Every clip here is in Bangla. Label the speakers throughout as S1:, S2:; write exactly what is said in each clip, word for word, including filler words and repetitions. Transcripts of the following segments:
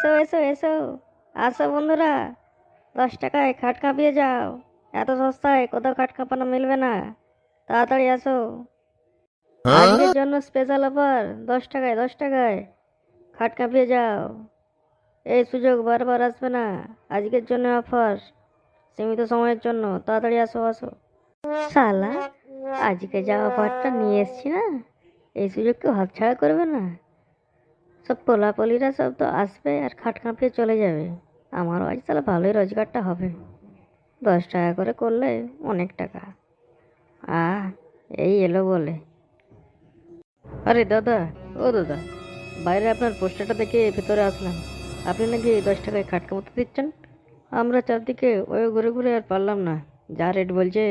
S1: এসো এসো এসো, আসো বন্ধুরা, দশ টাকায় খাট কাঁপিয়ে যাও। এত সস্তায় কোথাও খাট কাঁপানো মিলবে না, তাড়াতাড়ি আসো। আজকের জন্য স্পেশাল অফার, দশ টাকায় দশ টাকায় খাট কাঁপিয়ে যাও। এই সুযোগ বারবার আসবে না, আজকের জন্য অফার, সীমিত সময়ের জন্য, তাড়াতাড়ি আসো আসো। শালা, আজকে যা অফারটা নিয়ে এসছি না, এই সুযোগ কেউ হাতছাড়া করবে না। সব পোলাপলিরা সব তো আসবে আর খাট কাঁপিয়ে চলে যাবে। আমারও আজ তাহলে ভালোই রোজগারটা হবে। দশ টাকা করে করলে অনেক টাকা। আহ, এই এলো বলে। আরে দাদা, ও দাদা, বাইরে আপনার পোস্টারটা দেখে ভেতরে আসলাম। আপনি নাকি দশ টাকায় খাট কাঁপাতে দিচ্ছেন। আমরা চারদিকে ওই ঘুরে ঘুরে আর পারলাম না, যা রেট বলছে।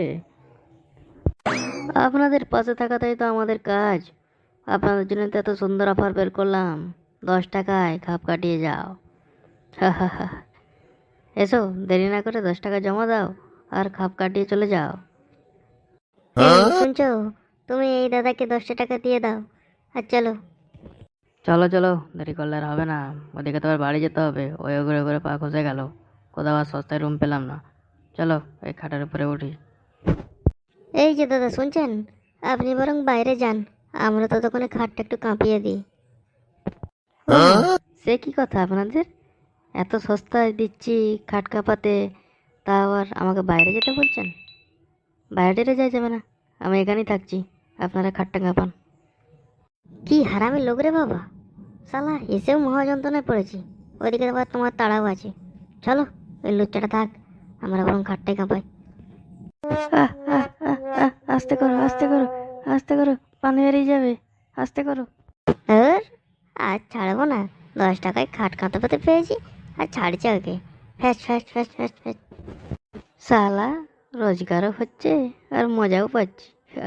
S1: আপনাদের পাশে থাকাটাই তো আমাদের কাজ। আপনাদের জন্য তো এত সুন্দর অফার বের করলাম, দশ টাকায় খাপ কাটিয়ে যাও। হা হা হা। এসো, দেরি না করে দশ টাকা জমা দাও আর খাপ কাটিয়ে চলে যাও। এই শুনছো, তুমি এই দাদাকে দশটা টাকা দিয়ে দাও আর চলো। চলো চলো, দেরি করলে আর হবে না। ওদিকে তো আর বাড়ি যেতে হবে, ওই ঘুরে ঘুরে পা খসে গেল, কোথাও আর সস্তায় রুম পেলাম না। চলো, এই খাটের উপরে উঠি। এই যে দাদা শুনছেন, আপনি বরং বাইরে যান, আমরা তো ততক্ষণে খাটটা একটু কাঁপিয়ে দিই। ও, সে কি কথা আপনাদের, এত সস্তায় দিচ্ছি খাট কাঁপাতে, তা আবার আমাকে বাইরে যেতে বলছেন? বাইরে টেরে যাওয়া যাবে না, আমি এখানেই থাকছি, আপনারা খাটটা কাঁপান। কি হারামি লোক রে বাবা, শালা এসেও মহা যন্ত্রণায় পড়েছি, ওইদিকে আবার তোমার তাড়াও আছে। চলো, ওই লুচ্চাটা থাক, আমরা বরং খাটটাই কাঁপাই। আহ, আহ, আহ, আহ, আস্তে করো আস্তে করো আস্তে করো, পানি বেরিয়ে যাবে, আস্তে করো। আর আজ ছাড়বো না, দশ টাকায় খাট কাঁপাতে পেয়েছি আর ছাড়ছে ওকে। ফ্যাস ফ্যাস ফ্যাস ফ্যাস ফ্যাস। শালা, রোজগারও হচ্ছে আর মজাও পাচ্ছি।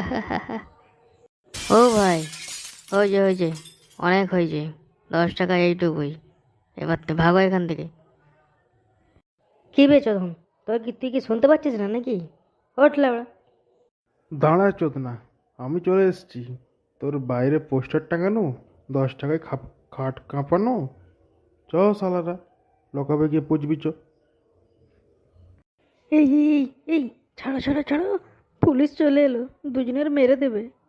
S1: ও ভাই, হয়েছে হয়েছে, অনেক হয়েছে, দশ টাকা এইটুকুই, এবার তো ভাগো এখান থেকে। কি বেচো ধন, তোর কি তুই কি শুনতে পাচ্ছিস না নাকি? ওঠলে ওরা।
S2: দাঁড়া চোদনা, আমি চলে এসেছি। তোর বাইরে পোস্টার টাঙানো, দশ টাকায় খাপ খাট কাঁপানো। চ শালারা, লকাবে গিয়ে পুজবি চ।
S1: এই এই এই এই, ছাড়ো ছাড়ো ছাড়ো, পুলিশ চলে এলো, দুজনের মেরে দেবে।